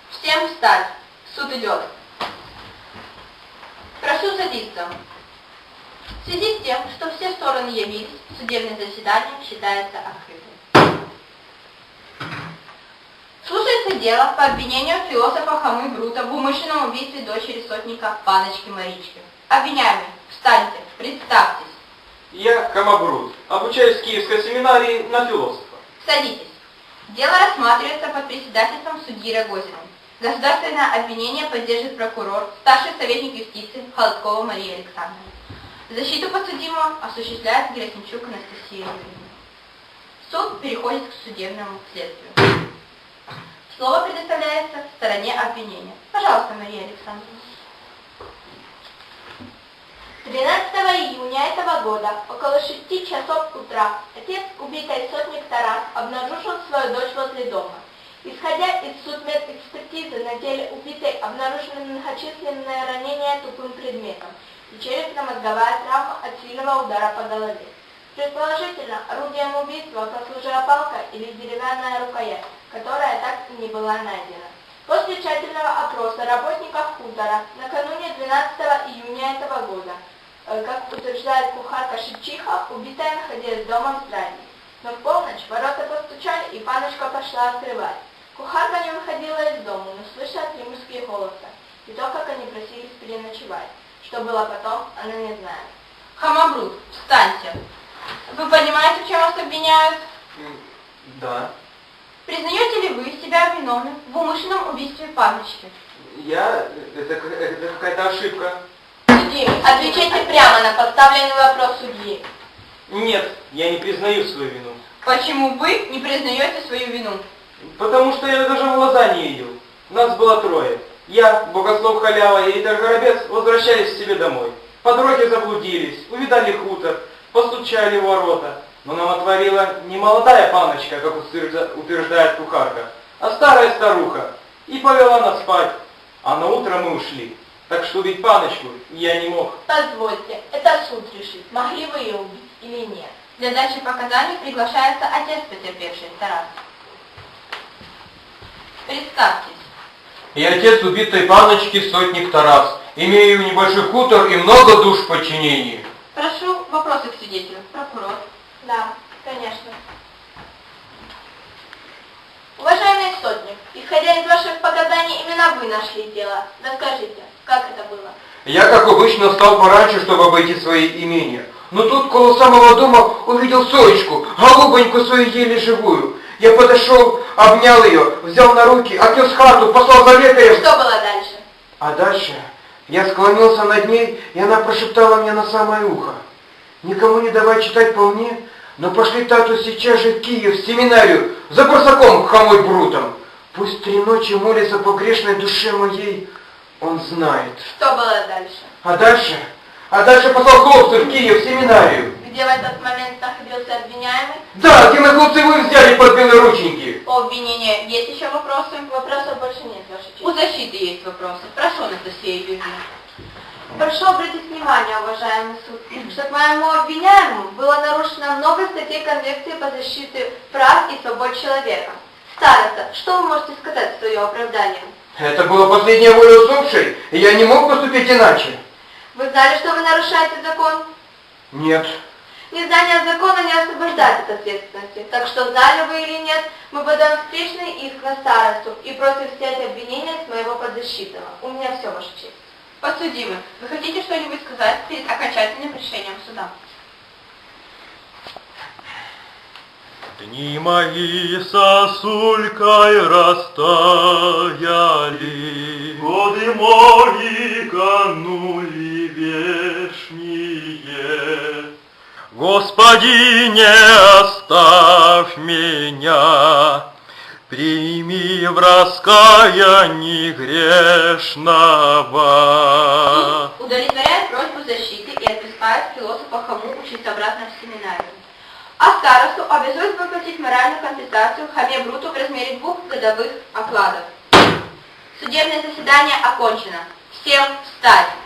Всем встать. Суд идет. Прошу садиться. В связи с тем, что все стороны явились, судебное заседание считается открытым. Слушается дело по обвинению философа Хомы Брута в умышленном убийстве дочери сотника Паночки Марички. Обвиняемый, встаньте, представьтесь. Я Хома Брут, обучаюсь в Киевской семинарии на философа. Садитесь. Дело рассматривается под председательством судьи Рогозиной. Государственное обвинение поддержит прокурор, старший советник юстиции Холодкова Мария Александровна. Защиту подсудимого осуществляет Герасимчук Анастасия Юрьевна. Суд переходит к судебному следствию. Слово предоставляется стороне обвинения. Пожалуйста, Мария Александровна. 13 июня этого года, около 6 часов утра, отец убитой сотник Тарас обнаружил свою дочь возле дома. Исходя из судмедэкспертизы, на теле убитой обнаружены многочисленные ранения тупым предметом и черепно-мозговая травма от сильного удара по голове. Предположительно, орудием убийства послужила палка или деревянная рукоять, которая так и не была найдена. После тщательного опроса работников хутора накануне 12 июня этого года, как утверждает кухарка Шевчиха, убитая находилась дома в здании. Но в полночь ворота постучали, и паночка пошла открывать. Кухарка не выходила из дома, но слышала 3 мужские голоса, и то, как они просились переночевать. Что было потом, она не знает. Хома Брут, встаньте. Вы понимаете, в чем вас обвиняют? Да. Признаете ли вы себя виновным в умышленном убийстве Паночки? Это какая-то ошибка. Судимый, отвечайте прямо на поставленный вопрос судьи. Нет, я не признаю свою вину. Почему вы не признаете свою вину? Потому что я даже в глаза не видел. Нас было 3. Я, Богослов Халява и Итар Горобец возвращались к себе домой. По дороге заблудились, увидали хутор, постучали в ворота. Но нам отворила не молодая паночка, как утверждает кухарка, а старая старуха. И повела нас спать. А на утро мы ушли. Так что убить паночку я не мог. Позвольте, это суд решит, могли вы ее убить или нет. Для дачи показаний приглашается отец потерпевшей, Тарас. Представьтесь. Я отец убитой паночки, сотник Тарас. Имею небольшой хутор и много душ в подчинении. Прошу вопросы к свидетелю. Прокурор. Да, конечно. Уважаемый сотник, исходя из ваших показаний, именно вы нашли тело. Расскажите, как это было? Я, как обычно, встал пораньше, чтобы обойти свои имения. Но тут, около самого дома, увидел Соечку, голубоньку свою еле живую. Я подошел, обнял ее, взял на руки, отнес в хату, послал за лекарем. Что было дальше? А дальше я склонился над ней, и она прошептала мне на самое ухо: «Никому не давай читать по мне, но пошли тату сейчас же в Киев, в семинарию, за Барсаком Хомой Брутом. Пусть 3 ночи молится по грешной душе моей, он знает». Что было дальше? А дальше послал хлопцев в Киев, в семинарию. Где в этот момент находился обвиняемый? Да, где мы хлопцы вы взяли под белые рученьки. По обвинению есть еще вопросы? Вопросов больше нет, Ваша честь. У защиты есть вопросы. Прошу, Анастасия Юрьевна. Прошу обратить внимание, уважаемый суд, что к моему обвиняемому было нарушено много статей Конвенции по защите прав и свобод человека. Староста, что вы можете сказать в свое оправдание? Это была последняя воля усопшей, и я не мог поступить иначе. Вы знали, что вы нарушаете закон? Нет. Незнание закона не освобождает от ответственности. Так что, знали вы или нет, мы подаем встречный иск на старосту и просим снять обвинения с моего подзащитного. У меня все, Ваша честь. Подсудимый, вы хотите что-нибудь сказать перед окончательным решением суда? Дни мои сосулькой растаяли, годы мои канули вешние. Господи, не оставь меня, прими в раскаянии грешного. Суд удовлетворяет просьбу защиты и отпускает философа Хому учиться обратно в семинарию. А старосту обязует выплатить моральную компенсацию Хоме Бруту в размере 2 годовых окладов. Судебное заседание окончено. Всем встать!